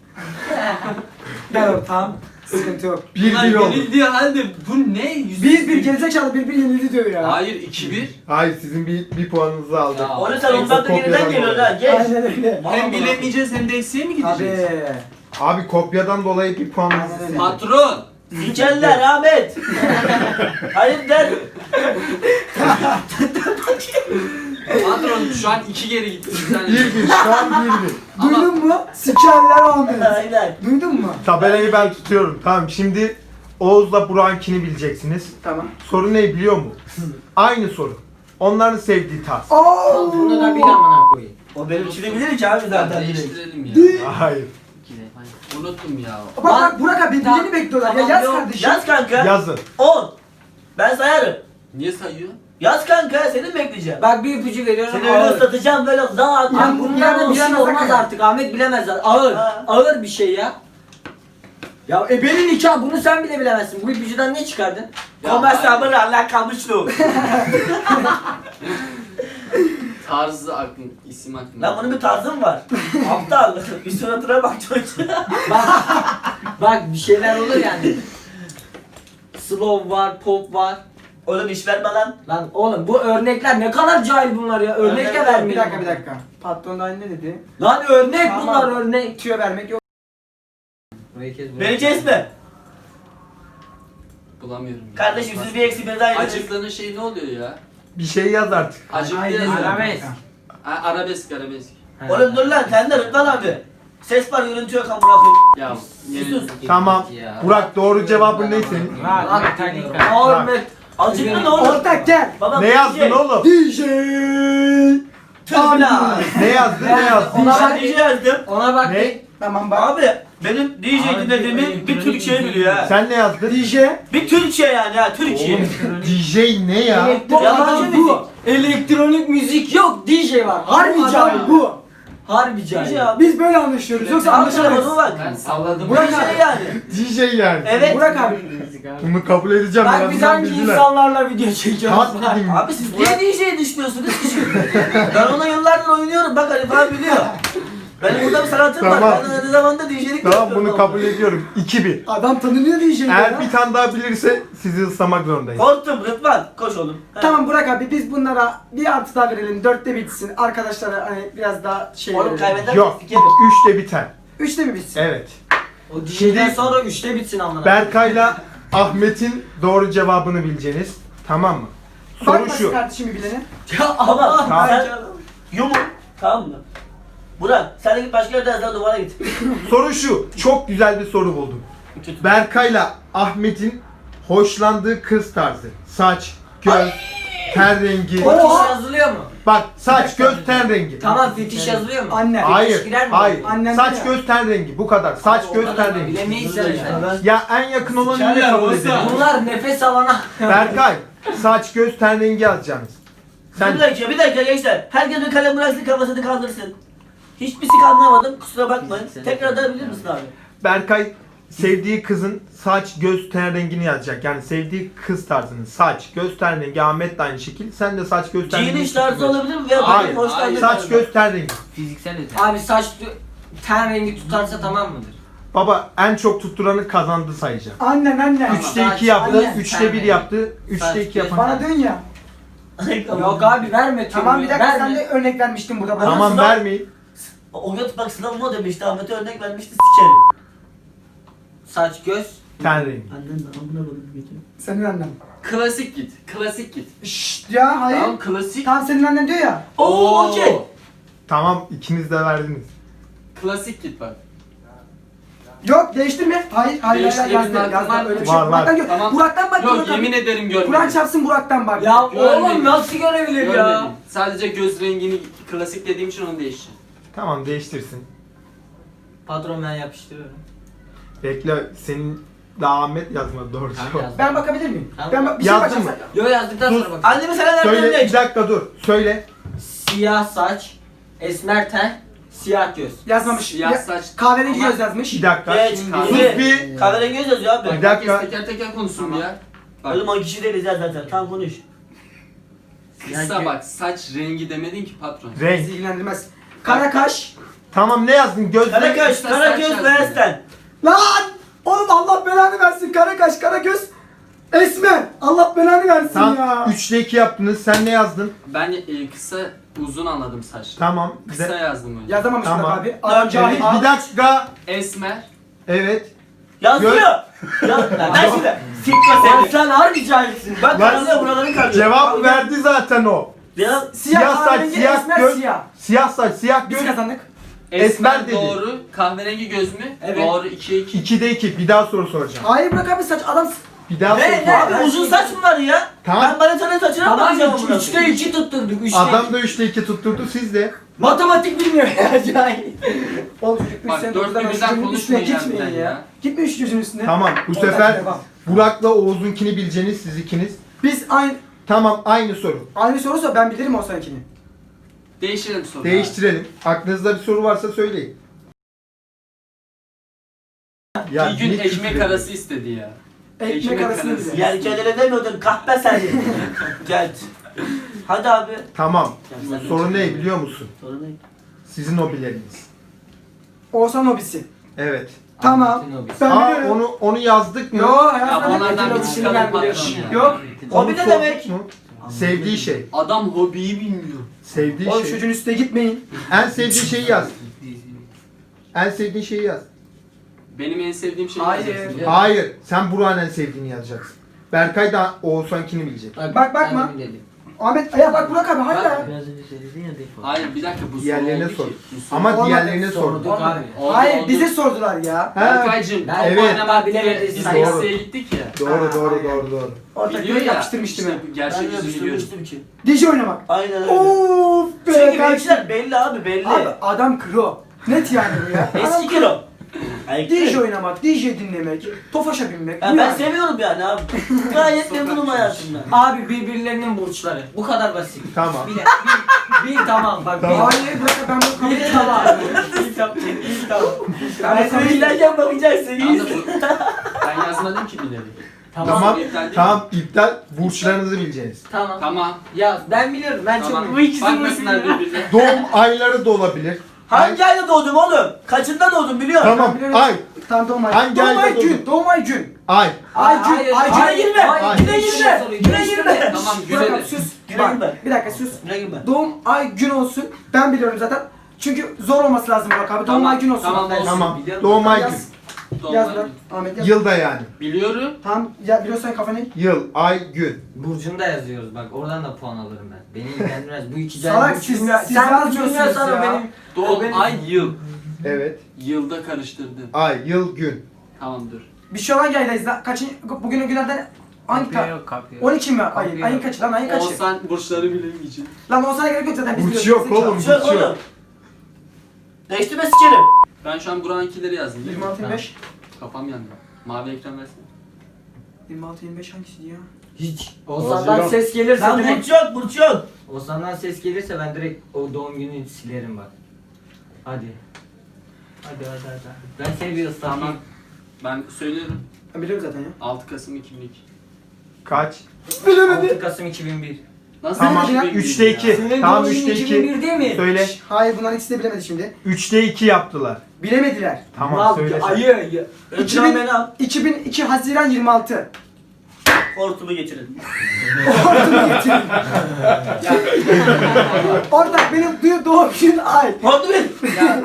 [SPEAKER 1] Gel ortağım. Sıkıntı yok.
[SPEAKER 2] Bir
[SPEAKER 3] Ulan
[SPEAKER 2] bir oldu.
[SPEAKER 3] yenildiği halde bu ne? Yüz-
[SPEAKER 1] Bir bir gerizekalı bir bir yenildi diyor ya.
[SPEAKER 3] Hayır iki bir.
[SPEAKER 2] Hayır sizin bir, bir puanınızı aldık.
[SPEAKER 3] Ya.
[SPEAKER 5] Onu sen ondan da
[SPEAKER 2] Kopyadan
[SPEAKER 5] geriden geliyorsun ha. Geç.
[SPEAKER 1] Aynen öyle.
[SPEAKER 3] Hem bilemeyeceğiz hem de eksiğe mi gideceğiz?
[SPEAKER 1] Abi.
[SPEAKER 2] Abi kopyadan dolayı bir puanınızı
[SPEAKER 1] Aynen öyle.
[SPEAKER 2] sildim.
[SPEAKER 3] Patron.
[SPEAKER 5] Sikerler Ahmet. Hayır der.
[SPEAKER 3] Patron şu an iki geri gitti. Sen...
[SPEAKER 2] Bir bir şu an bir bir.
[SPEAKER 3] Ama-
[SPEAKER 1] Duydun mu? Sikerler Ahmet.
[SPEAKER 5] Aynen.
[SPEAKER 1] Duydun mu?
[SPEAKER 2] Tabelayı ben tutuyorum. Tamam şimdi Oğuz'la Burak'ınkini bileceksiniz.
[SPEAKER 1] Tamam.
[SPEAKER 2] Soru ne biliyor musun? Aynı soru. Onların sevdiği tarz.
[SPEAKER 1] Oo.
[SPEAKER 4] Bunu da bir amına koyayım.
[SPEAKER 5] O benim için bilir ki abi
[SPEAKER 3] Ya
[SPEAKER 5] zaten. direkt.
[SPEAKER 3] değiştirelim ya.
[SPEAKER 2] Hayır.
[SPEAKER 3] Unuttum ya.
[SPEAKER 1] Bak bak Burak abi
[SPEAKER 4] Tamam.
[SPEAKER 1] bileni bekliyorlar.
[SPEAKER 4] Tamam,
[SPEAKER 1] ya yaz
[SPEAKER 4] yok.
[SPEAKER 1] kardeşim.
[SPEAKER 5] Yaz kanka.
[SPEAKER 2] Yazın.
[SPEAKER 5] on. Ben sayarım.
[SPEAKER 3] Niye sayıyor?
[SPEAKER 5] Yaz kanka seni bekleyeceğim.
[SPEAKER 4] Bak bir ipucu veriyorum.
[SPEAKER 5] Seni öyle
[SPEAKER 4] ağır.
[SPEAKER 5] ıslatacağım böyle daha
[SPEAKER 1] İnan-
[SPEAKER 4] Lan bundan da bir şey
[SPEAKER 1] İnan-
[SPEAKER 4] olmaz artık. Ahmet bilemezler. Ağır.
[SPEAKER 5] Ha.
[SPEAKER 4] Ağır bir şey ya. Ya ebenin nikah bunu sen bile bilemezsin. Bu ipucudan ne çıkardın?
[SPEAKER 3] Ya,
[SPEAKER 5] Komer
[SPEAKER 3] hayır.
[SPEAKER 5] sabır Allah kalmıştı.
[SPEAKER 3] Tarzı aklım, isim aklım.
[SPEAKER 5] Lan bunun bir tarzım var. Aptal. Bir suratına bak çocuğa.
[SPEAKER 4] Bak, bak bir şeyler olur yani. Slow var, pop var.
[SPEAKER 5] Oğlum iş verme lan.
[SPEAKER 4] Lan oğlum bu örnekler ne kadar cahil bunlar ya. Örnek de
[SPEAKER 5] Örnek-
[SPEAKER 4] vermeyin.
[SPEAKER 1] Bir dakika bir dakika. Patron da ne dedi?
[SPEAKER 4] Lan örnek
[SPEAKER 1] Tamam.
[SPEAKER 4] bunlar örnek.
[SPEAKER 1] Tüyo vermek yok.
[SPEAKER 5] Beni kesme.
[SPEAKER 3] Bulamıyorum. ya.
[SPEAKER 5] Kardeşim siz bir eksi bir daha yediniz.
[SPEAKER 3] Acıklığının şey ne oluyor ya?
[SPEAKER 2] Bir şey yaz artık.
[SPEAKER 3] Acıklı
[SPEAKER 1] Aynen
[SPEAKER 3] yazıyor.
[SPEAKER 1] öyle.
[SPEAKER 4] Arabesk.
[SPEAKER 3] A- Arabesk arabesk.
[SPEAKER 5] Oğlum dur lan sen de Rıdvan abi. Ses var görüntü yok amına koyayım.
[SPEAKER 3] Ya
[SPEAKER 5] Sus.
[SPEAKER 3] yenildim.
[SPEAKER 2] Tamam. Burak doğru cevabın ne senin?
[SPEAKER 4] Ahmet.
[SPEAKER 5] Acıklı ne oğlum?
[SPEAKER 1] Ortak gel.
[SPEAKER 5] Babam
[SPEAKER 2] Ne yazdın oğlum?
[SPEAKER 1] D J.
[SPEAKER 5] Tübla.
[SPEAKER 2] Ne yazdın ne yazdın?
[SPEAKER 4] Ona
[SPEAKER 5] Ben
[SPEAKER 4] bak.
[SPEAKER 5] D J yazdım.
[SPEAKER 4] Ona bak.
[SPEAKER 2] Ne?
[SPEAKER 1] Tamam bak.
[SPEAKER 5] Abi benim D J dinlediğimi bir Türkçe biliyor ha.
[SPEAKER 2] Sen ne yazdın?
[SPEAKER 1] D J.
[SPEAKER 5] Bir Türkçe yani ha Türkçe.
[SPEAKER 2] Oğlum D J ne ya?
[SPEAKER 4] Elektro-
[SPEAKER 5] Yabancı
[SPEAKER 4] Adam
[SPEAKER 5] müzik.
[SPEAKER 4] bu. Elektronik müzik yok. D J var.
[SPEAKER 1] Harbi
[SPEAKER 4] Adam
[SPEAKER 1] cahil bu.
[SPEAKER 4] Harbi
[SPEAKER 5] D
[SPEAKER 4] cahil.
[SPEAKER 5] J abi.
[SPEAKER 1] Biz böyle anlaşıyoruz. Yoksa
[SPEAKER 5] Al telefonu
[SPEAKER 1] anlaşamayız.
[SPEAKER 5] bak.
[SPEAKER 3] Ben salladım.
[SPEAKER 5] Burak
[SPEAKER 1] Burak
[SPEAKER 5] şey
[SPEAKER 1] abi.
[SPEAKER 5] yani.
[SPEAKER 2] D J yani.
[SPEAKER 5] Evet.
[SPEAKER 1] Burak abi.
[SPEAKER 2] Bunu kabul edeceğim. en
[SPEAKER 4] Bak biz
[SPEAKER 2] azından
[SPEAKER 4] hangi
[SPEAKER 2] bildiler.
[SPEAKER 4] insanlarla video çekiyoruz?
[SPEAKER 2] Tat dedim.
[SPEAKER 5] Abi siz niye D J'yi dışlıyorsunuz ki? Ben ona yıllardır oynuyorum bak Ali falan biliyor. Benim burada bir sanatım
[SPEAKER 2] Tamam.
[SPEAKER 5] var. Ben aynı zamanda D J'lik
[SPEAKER 2] Tamam bunu kabul ediyorum. iki bir.
[SPEAKER 1] Adam tanınıyor D J'yi
[SPEAKER 2] Eğer
[SPEAKER 1] ya.
[SPEAKER 2] bir tane daha bilirse sizi ıslamak zorundayız.
[SPEAKER 5] Korktum Rıdvan. Koş oğlum. Ha.
[SPEAKER 1] Tamam Burak abi biz bunlara bir artı daha verelim. Dörtte bitsin. Arkadaşlara hani biraz daha şey
[SPEAKER 5] Oğlum
[SPEAKER 1] verelim.
[SPEAKER 5] kaybeder
[SPEAKER 2] Yok.
[SPEAKER 5] sikerim.
[SPEAKER 2] Üçte biter.
[SPEAKER 1] Üçte mi bitsin?
[SPEAKER 2] Evet.
[SPEAKER 4] O D J'den
[SPEAKER 2] Şimdi-
[SPEAKER 4] sonra üçte bitsin amına.
[SPEAKER 2] Berkay'la Ahmet'in doğru cevabını bileceğiniz. Tamam mı?
[SPEAKER 1] Bak
[SPEAKER 2] Soru
[SPEAKER 1] nasıl
[SPEAKER 2] şu.
[SPEAKER 1] kardeşim bir bilene.
[SPEAKER 4] Ya
[SPEAKER 5] Tamam.
[SPEAKER 2] Tamam.
[SPEAKER 5] Sen yumur. Tamam mı? Burak sen de git başka yerde yazdan duvara git.
[SPEAKER 2] Soru şu. Çok güzel bir soru buldum. Berkay'la Ahmet'in hoşlandığı kız tarzı. Saç, göz. ten rengi.
[SPEAKER 1] Oha!
[SPEAKER 4] Fetiş yazılıyor mu?
[SPEAKER 2] Bak saç, göz, ten rengi.
[SPEAKER 4] Tamam fetiş yazılıyor mu?
[SPEAKER 1] Anne.
[SPEAKER 2] Hayır,
[SPEAKER 4] girer mi?
[SPEAKER 2] hayır.
[SPEAKER 1] Annem
[SPEAKER 2] Saç,
[SPEAKER 1] ya.
[SPEAKER 2] göz, ten rengi. Bu kadar. Saç,
[SPEAKER 4] O
[SPEAKER 2] göz,
[SPEAKER 4] kadar
[SPEAKER 2] ten
[SPEAKER 4] da
[SPEAKER 2] rengi.
[SPEAKER 4] bilemeyiz
[SPEAKER 5] Dur da
[SPEAKER 4] sen
[SPEAKER 5] işte
[SPEAKER 4] yani.
[SPEAKER 5] ben-
[SPEAKER 2] Ya en yakın olanı ne
[SPEAKER 3] Sikerler
[SPEAKER 2] kabul
[SPEAKER 3] olsa.
[SPEAKER 2] edelim?
[SPEAKER 4] Bunlar nefes alana.
[SPEAKER 2] Berkay, saç, göz, ten rengi yazacaksınız.
[SPEAKER 5] Bir
[SPEAKER 2] Sen
[SPEAKER 5] dakika, bir dakika gençler. Herkes bir kalem bıraksın, kafasını kaldırsın. Hiçbir şey anlamadım, kusura bakmayın. Tekrar edebilir misin abi?
[SPEAKER 2] Berkay sevdiği kızın saç, göz, ten rengini yazacak. Yani sevdiği kız tarzının saç, göz, ten rengi. Ahmet de aynı şekil. Sen de saç, göz, ten rengi.
[SPEAKER 5] Giyiniş tarzı olabilir mi? Veya
[SPEAKER 2] Hayır,
[SPEAKER 5] bakın hoşlandığın
[SPEAKER 2] saç,
[SPEAKER 5] tarzı.
[SPEAKER 2] göz, ten rengi.
[SPEAKER 4] Fiziksel özel. Abi saç ten rengi tutarsa tamam mıdır?
[SPEAKER 2] Baba en çok tutturanı kazandı sayacağım.
[SPEAKER 1] Annen annen.
[SPEAKER 2] Üçte
[SPEAKER 4] Saç,
[SPEAKER 2] iki yaptı,
[SPEAKER 1] anne,
[SPEAKER 2] üçte
[SPEAKER 4] ten
[SPEAKER 2] bir
[SPEAKER 4] rengi.
[SPEAKER 2] yaptı,
[SPEAKER 4] Saç,
[SPEAKER 2] üçte iki
[SPEAKER 4] göz,
[SPEAKER 2] yapan.
[SPEAKER 1] Bana dön ya.
[SPEAKER 5] Ay, tamam.
[SPEAKER 4] Yok abi verme tüm.
[SPEAKER 1] Tamam bir dakika
[SPEAKER 4] verme.
[SPEAKER 1] sen de örnek vermiştin burada bana.
[SPEAKER 2] Tamam
[SPEAKER 5] Sınav-
[SPEAKER 2] vermeyin.
[SPEAKER 5] O göt bak sınav mı demişti, Ahmet'e örnek vermişti, sikerim.
[SPEAKER 4] Saç göz.
[SPEAKER 2] Ten rengi.
[SPEAKER 5] Annen de amına koydum götünü.
[SPEAKER 1] Senin annen.
[SPEAKER 3] Klasik git. Klasik git.
[SPEAKER 1] Şşt ya hayır.
[SPEAKER 3] Tamam klasik.
[SPEAKER 1] Tam senin annen diyor ya.
[SPEAKER 5] Oo, okey.
[SPEAKER 2] Tamam ikiniz de verdiniz.
[SPEAKER 3] Klasik git bak.
[SPEAKER 1] Yok değiştirme. Hayır hayır hayır
[SPEAKER 3] Değiştirebilme
[SPEAKER 1] yazdı.
[SPEAKER 3] hakkın
[SPEAKER 1] Yazdı
[SPEAKER 3] var mı?
[SPEAKER 1] öyle bir şey.
[SPEAKER 2] Var,
[SPEAKER 1] yok.
[SPEAKER 2] var.
[SPEAKER 1] Burak'tan gör.
[SPEAKER 3] Tamam.
[SPEAKER 1] Burak'tan bak.
[SPEAKER 3] Yok
[SPEAKER 1] Burak'tan.
[SPEAKER 3] yemin ederim görmedim.
[SPEAKER 1] Kur'an çarpsın Burak'tan bak.
[SPEAKER 4] Ya
[SPEAKER 3] Görmedim.
[SPEAKER 4] oğlum nasıl görebilir
[SPEAKER 3] Görmedim.
[SPEAKER 4] ya?
[SPEAKER 3] Sadece göz rengini klasik dediğim için onu değiştirdim.
[SPEAKER 2] Tamam değiştirsin.
[SPEAKER 4] Patron ben yapıştırıyorum.
[SPEAKER 2] Bekle senin daha Ahmet yazmadı doğru
[SPEAKER 4] Tamam,
[SPEAKER 2] cevap.
[SPEAKER 4] yazdım.
[SPEAKER 1] Ben bakabilir miyim?
[SPEAKER 4] Tamam.
[SPEAKER 1] Ben bak bir şey
[SPEAKER 2] Yazdın
[SPEAKER 1] bakacağım.
[SPEAKER 2] mı?
[SPEAKER 1] sen-
[SPEAKER 4] Yo yazdıktan
[SPEAKER 2] Dur.
[SPEAKER 4] sonra bak.
[SPEAKER 5] Annemi sana nereden
[SPEAKER 2] Söyle
[SPEAKER 5] örnek?
[SPEAKER 2] bir dakika dur. Söyle.
[SPEAKER 4] Siyah saç, esmer ten, siyah göz.
[SPEAKER 1] Yazmamış.
[SPEAKER 3] Siyah
[SPEAKER 1] Ya-
[SPEAKER 3] saç.
[SPEAKER 1] Kahverengi
[SPEAKER 3] Ama-
[SPEAKER 1] göz yazmış.
[SPEAKER 2] Bir dakika.
[SPEAKER 5] Geç,
[SPEAKER 3] Kahve-
[SPEAKER 2] Sus
[SPEAKER 5] bizi.
[SPEAKER 2] bir.
[SPEAKER 5] Kahverengi göz yazıyor abi.
[SPEAKER 2] Bir dakika.
[SPEAKER 3] Herkes teker teker konuşsun
[SPEAKER 1] Tamam.
[SPEAKER 3] ya. Bak
[SPEAKER 5] Oğlum on kişi değiliz ya zaten, tamam konuş.
[SPEAKER 3] kısa bak saç rengi demedin ki patron.
[SPEAKER 1] Bizi
[SPEAKER 2] Renk.
[SPEAKER 1] ilgilendirmez. Kara kaş.
[SPEAKER 2] Tamam ne yazdın? Göz rengi.
[SPEAKER 5] Karakaş,
[SPEAKER 3] Kısa
[SPEAKER 5] Karagöz,
[SPEAKER 3] saç
[SPEAKER 5] Beyazten.
[SPEAKER 1] Lan! Oğlum Allah belanı versin. Kara kaş, kara göz. Esmer. Allah belanı versin
[SPEAKER 2] Tamam.
[SPEAKER 1] ya.
[SPEAKER 2] Üçte iki yaptınız. Sen ne yazdın?
[SPEAKER 3] Ben e, kısa uzun anladım saç.
[SPEAKER 2] Tamam. Bir
[SPEAKER 3] Kısa
[SPEAKER 2] de-
[SPEAKER 3] yazdım önce.
[SPEAKER 1] Yazamamış
[SPEAKER 2] Tamam.
[SPEAKER 1] Burak abi. Adam cahil.
[SPEAKER 2] Evet, bir dakika.
[SPEAKER 3] Esmer.
[SPEAKER 2] Evet.
[SPEAKER 5] Yazıyor. Ya, ben şimdi. Sikma
[SPEAKER 4] Sen
[SPEAKER 5] seni.
[SPEAKER 4] sen harbi cahilsin.
[SPEAKER 5] Bak
[SPEAKER 2] Lan-
[SPEAKER 5] kanalıyor buraların karıyor.
[SPEAKER 2] Cevap verdi zaten o.
[SPEAKER 5] Ya,
[SPEAKER 1] Siyah,
[SPEAKER 2] Siyah saç,
[SPEAKER 1] kahverengi,
[SPEAKER 2] siyah
[SPEAKER 1] esmer,
[SPEAKER 2] göz.
[SPEAKER 1] siyah.
[SPEAKER 2] Siyah saç, siyah
[SPEAKER 1] Biz
[SPEAKER 2] göz.
[SPEAKER 1] kazandık.
[SPEAKER 2] Esmer
[SPEAKER 3] Esmer
[SPEAKER 2] dedi.
[SPEAKER 3] doğru. Kahverengi göz mü?
[SPEAKER 4] Evet.
[SPEAKER 3] Doğru. ikiye iki.
[SPEAKER 2] ikide iki. Bir daha soru soracağım.
[SPEAKER 1] Hayır Burak abi saç adam...
[SPEAKER 2] Bir daha
[SPEAKER 5] ne
[SPEAKER 2] soru
[SPEAKER 5] ne
[SPEAKER 2] soracağım.
[SPEAKER 5] abi uzun saç mı var ya?
[SPEAKER 2] Tamam.
[SPEAKER 5] Ben Bareton'un saçına mı
[SPEAKER 4] Tamam
[SPEAKER 5] bakacağım
[SPEAKER 4] üç,
[SPEAKER 5] amına
[SPEAKER 4] üçte
[SPEAKER 5] koyayım?
[SPEAKER 4] iki tutturduk. Üçte
[SPEAKER 2] Adam
[SPEAKER 4] iki.
[SPEAKER 2] da üçte iki tutturdu. Siz de.
[SPEAKER 4] Matematik bilmiyor ya cahil.
[SPEAKER 1] Oğlum çocuk üç
[SPEAKER 3] Bak,
[SPEAKER 1] sene
[SPEAKER 3] dört
[SPEAKER 1] dokudan
[SPEAKER 3] bir birden
[SPEAKER 1] çocuğun üstüne
[SPEAKER 3] konuşmayın
[SPEAKER 1] gitmeyin
[SPEAKER 3] harbiden
[SPEAKER 1] ya.
[SPEAKER 3] ya.
[SPEAKER 1] Gitme üç yüzün üstüne.
[SPEAKER 2] Tamam. Bu
[SPEAKER 1] Ondan
[SPEAKER 2] sefer
[SPEAKER 1] devam.
[SPEAKER 2] Burak'la Oğuz'unkini bileceğiniz siz ikiniz.
[SPEAKER 1] Biz aynı
[SPEAKER 2] Tamam aynı soru.
[SPEAKER 1] aynı soru sor ben bilirim o seninkini.
[SPEAKER 3] Değiştirelim soruyu.
[SPEAKER 2] Değiştirelim. Aklınızda bir soru varsa söyleyin. Ya,
[SPEAKER 3] Bir gün
[SPEAKER 2] niye
[SPEAKER 3] ekmek
[SPEAKER 2] küfür
[SPEAKER 3] arası istedi ya.
[SPEAKER 1] Ekmek
[SPEAKER 3] Ekmek
[SPEAKER 1] arasını
[SPEAKER 3] arası.
[SPEAKER 1] bize.
[SPEAKER 5] Yelkenlere demiyordun kahpe sen. Gel. Hadi abi.
[SPEAKER 2] Tamam.
[SPEAKER 5] Gel sen.
[SPEAKER 2] Soru ne biliyor musun?
[SPEAKER 5] Soru ne?
[SPEAKER 2] Sizin hobileriniz.
[SPEAKER 1] Oğuzhan hobisi.
[SPEAKER 2] Evet.
[SPEAKER 1] Tamam.
[SPEAKER 4] Ahmet'in hobisi.
[SPEAKER 1] Ben
[SPEAKER 2] Aa
[SPEAKER 1] biliyorum.
[SPEAKER 2] onu onu yazdık mı?
[SPEAKER 1] Yo
[SPEAKER 3] Ya
[SPEAKER 1] hayatımda
[SPEAKER 3] onlardan
[SPEAKER 1] ekmek
[SPEAKER 3] bir
[SPEAKER 1] arasını
[SPEAKER 3] çıkalım
[SPEAKER 1] ben
[SPEAKER 3] patron
[SPEAKER 1] biliyorum.
[SPEAKER 3] ya.
[SPEAKER 1] Yok.
[SPEAKER 2] Onu
[SPEAKER 5] Hobi ne
[SPEAKER 2] sorduk
[SPEAKER 5] demek?
[SPEAKER 2] mu? Sevdiği şey.
[SPEAKER 3] Adam hobiyi bilmiyor.
[SPEAKER 2] Sevdiği
[SPEAKER 1] Oğlum
[SPEAKER 2] şey.
[SPEAKER 1] çocuğun üstüne gitmeyin.
[SPEAKER 2] En sevdiği şeyi yaz. En sevdiğin şeyi yaz.
[SPEAKER 3] Benim en sevdiğim şey
[SPEAKER 1] Hayır.
[SPEAKER 3] yazacaksın.
[SPEAKER 2] Hayır. Sen Burak'ın en sevdiğini yazacaksın. Berkay da Oğuzhan'kini bilecek.
[SPEAKER 1] Bak, bakma.
[SPEAKER 4] ben dedim.
[SPEAKER 1] Ahmet ya bak Burak abi hayır ya.
[SPEAKER 5] Biraz önce söyledin ya defol.
[SPEAKER 3] Hayır bir dakika bu soru
[SPEAKER 2] Diğerlerine
[SPEAKER 3] oldu
[SPEAKER 2] sor.
[SPEAKER 3] ki. Bu soru-
[SPEAKER 2] Ama
[SPEAKER 1] Olmadı.
[SPEAKER 2] diğerlerine
[SPEAKER 4] Sorduk
[SPEAKER 2] sordum.
[SPEAKER 4] abi.
[SPEAKER 3] Oldu,
[SPEAKER 1] Hayır
[SPEAKER 3] oldu.
[SPEAKER 1] bize sordular ya.
[SPEAKER 2] Ha,
[SPEAKER 3] Berkaycığım,
[SPEAKER 4] Ben
[SPEAKER 2] Evet.
[SPEAKER 3] top oynamak
[SPEAKER 4] bilemedi,
[SPEAKER 3] biz
[SPEAKER 2] doğru.
[SPEAKER 3] Meksika'ya gittik ya.
[SPEAKER 2] Doğru
[SPEAKER 1] Ha,
[SPEAKER 2] doğru
[SPEAKER 1] aynen.
[SPEAKER 2] doğru doğru.
[SPEAKER 1] Ortak
[SPEAKER 3] Biliyor
[SPEAKER 1] direkt
[SPEAKER 3] ya.
[SPEAKER 1] yapıştırmıştım
[SPEAKER 3] işte
[SPEAKER 1] ben.
[SPEAKER 5] Ben
[SPEAKER 3] gerçek yüzünü biliyorum.
[SPEAKER 5] yapıştırmıştım ki.
[SPEAKER 1] D J oynamak.
[SPEAKER 5] Aynen öyle.
[SPEAKER 1] Of be.
[SPEAKER 5] Çünkü
[SPEAKER 1] ben-
[SPEAKER 5] gençler belli abi belli.
[SPEAKER 1] Abi adam kro. Net yani bu ya.
[SPEAKER 5] Eski kilo.
[SPEAKER 1] D J oynamak, D J dinlemek, Tofaş'a binmek.
[SPEAKER 5] Ya
[SPEAKER 1] bu
[SPEAKER 5] ben
[SPEAKER 1] yani.
[SPEAKER 5] seviyorum yani abi. Gayet memnunum hayatımdan.
[SPEAKER 4] Abi birbirlerinin burçları. Bu kadar basit.
[SPEAKER 2] Tamam.
[SPEAKER 4] Bir, bir, bir tamam bak.
[SPEAKER 2] Tamam.
[SPEAKER 1] Hayır bırak ben bunu kabul
[SPEAKER 4] Bir, bir
[SPEAKER 1] etmem.
[SPEAKER 4] tamam. Bir tamam. Bir tamam.
[SPEAKER 5] Ben
[SPEAKER 1] Ben
[SPEAKER 5] sana
[SPEAKER 1] kabul
[SPEAKER 5] izlerken bakacaksın.
[SPEAKER 3] Yalnız bu- ben yazmadım ki bilerek.
[SPEAKER 2] Tamam.
[SPEAKER 3] iptal değil mi?
[SPEAKER 2] Tamam iptal. Burçlarınızı bileceğiniz.
[SPEAKER 4] Tamam.
[SPEAKER 3] Tamam.
[SPEAKER 4] Ya ben biliyorum. Ben
[SPEAKER 3] Tamam.
[SPEAKER 4] çok bu ikisini
[SPEAKER 3] Bakmasınlar
[SPEAKER 4] biliyorum.
[SPEAKER 3] birbirine.
[SPEAKER 2] Doğum ayları da olabilir.
[SPEAKER 5] Hangi ayda doğdum oğlum? Kaçında doğdum biliyorum.
[SPEAKER 2] Tamam.
[SPEAKER 1] biliyorum.
[SPEAKER 2] Ay.
[SPEAKER 1] Tam doğum ay.
[SPEAKER 2] Hangi
[SPEAKER 1] Doğum
[SPEAKER 2] ayda
[SPEAKER 1] ay
[SPEAKER 2] doğdun?
[SPEAKER 1] gün. Doğum ay gün.
[SPEAKER 2] Ay.
[SPEAKER 1] Ay gün.
[SPEAKER 4] Hayır,
[SPEAKER 1] Ay
[SPEAKER 5] hayır,
[SPEAKER 1] gün.
[SPEAKER 5] girme.
[SPEAKER 2] Ay.
[SPEAKER 5] Güne girme. Güne girme.
[SPEAKER 3] Tamam
[SPEAKER 1] Burak
[SPEAKER 3] güzel.
[SPEAKER 1] abi sus.
[SPEAKER 5] Güne
[SPEAKER 1] Bak
[SPEAKER 5] girme.
[SPEAKER 1] bir dakika sus.
[SPEAKER 5] Güne girme.
[SPEAKER 1] Doğum ay gün olsun. Ben biliyorum zaten. Çünkü zor olması lazım Burak abi. Doğum
[SPEAKER 3] Tamam,
[SPEAKER 1] ay gün olsun.
[SPEAKER 3] tamam,
[SPEAKER 1] Ben-
[SPEAKER 3] olsun.
[SPEAKER 2] Tamam.
[SPEAKER 4] biliyorum.
[SPEAKER 2] Doğum ay gün.
[SPEAKER 1] Yaz.
[SPEAKER 3] Doğum
[SPEAKER 1] Yaz
[SPEAKER 3] ay
[SPEAKER 1] Burak.
[SPEAKER 3] gün.
[SPEAKER 1] Ahmet yaz.
[SPEAKER 2] Yılda yani.
[SPEAKER 3] Biliyorum.
[SPEAKER 1] Tamam ya biliyorsan kafanı.
[SPEAKER 2] Yıl, ay, gün.
[SPEAKER 4] Burcunu da yazıyoruz bak. Oradan da puan alırım ben. Beni ilgilendirmez. Bu iki
[SPEAKER 1] Salak,
[SPEAKER 4] burç
[SPEAKER 1] siz-
[SPEAKER 4] bilmiyor.
[SPEAKER 1] siz
[SPEAKER 4] Sen
[SPEAKER 1] yazmıyorsunuz
[SPEAKER 4] bilmiyorsan o
[SPEAKER 1] ya.
[SPEAKER 4] benim.
[SPEAKER 3] Doğum
[SPEAKER 4] benim-
[SPEAKER 3] ay yıl.
[SPEAKER 2] Evet.
[SPEAKER 3] Yılda karıştırdın.
[SPEAKER 2] Ay, yıl, gün.
[SPEAKER 3] Tamam dur.
[SPEAKER 1] Biz şu an hangi aydayız lan? Kaçın? Bugünün günlerden Hangi
[SPEAKER 6] Kapıya
[SPEAKER 1] ta?
[SPEAKER 6] yok kapıya.
[SPEAKER 1] on iki mi? Ayın,
[SPEAKER 6] Kapıya
[SPEAKER 1] ayın
[SPEAKER 6] yok.
[SPEAKER 1] kaçı lan? Ayın kaçı?
[SPEAKER 3] Oğuzhan burçları bilemeyecek.
[SPEAKER 1] Lan Oğuzhan'a gerek yok zaten biz
[SPEAKER 2] Burç
[SPEAKER 1] biliyoruz.
[SPEAKER 2] yok oğlum.
[SPEAKER 5] Şu an
[SPEAKER 2] Burç yok.
[SPEAKER 5] oğlum. Değiştirme sikerim.
[SPEAKER 3] Ben şu an Burak'ınkileri yazdım değil mi?
[SPEAKER 1] yirmi altı yirmi beş.
[SPEAKER 3] Kafam yandı. Mavi ekran versene.
[SPEAKER 1] yirmi altı yirmi beş hangisiydi ya?
[SPEAKER 4] Hiç. Ozan'dan ses gelirse
[SPEAKER 5] Lan
[SPEAKER 4] direkt...
[SPEAKER 5] burç yok burç yok.
[SPEAKER 4] Ozan'dan ses gelirse ben direkt o doğum gününü silerim bak. Hadi. Hadi hadi hadi. Ben seni bir ıslatayım.
[SPEAKER 3] Tamam. Ben söylüyorum.
[SPEAKER 1] Ben biliyorum zaten ya.
[SPEAKER 3] altı Kasım iki bin iki.
[SPEAKER 2] Kaç?
[SPEAKER 4] altı Kasım iki bin bir.
[SPEAKER 3] Nasıl
[SPEAKER 2] Tamam.
[SPEAKER 3] iki bin bir
[SPEAKER 2] üçte
[SPEAKER 3] ya?
[SPEAKER 2] iki.
[SPEAKER 4] Senin
[SPEAKER 2] Tamam
[SPEAKER 4] doğum günün
[SPEAKER 2] üçte
[SPEAKER 4] iki bin bir
[SPEAKER 2] iki.
[SPEAKER 4] değil mi?
[SPEAKER 2] Söyle.
[SPEAKER 1] Şş, Hayır bunların ikisi de bilemedi şimdi.
[SPEAKER 2] üçte iki yaptılar.
[SPEAKER 1] Bilemediler.
[SPEAKER 2] Tamam
[SPEAKER 4] Mal,
[SPEAKER 2] söyle. sen.
[SPEAKER 4] Ayı ayı.
[SPEAKER 5] Ekran beni al.
[SPEAKER 1] iki bin iki Haziran yirmi altı.
[SPEAKER 5] Hortumu getirin.
[SPEAKER 1] Hortumu getirin. Ortak benim duyu doğum gün ay.
[SPEAKER 5] Hortumu getir.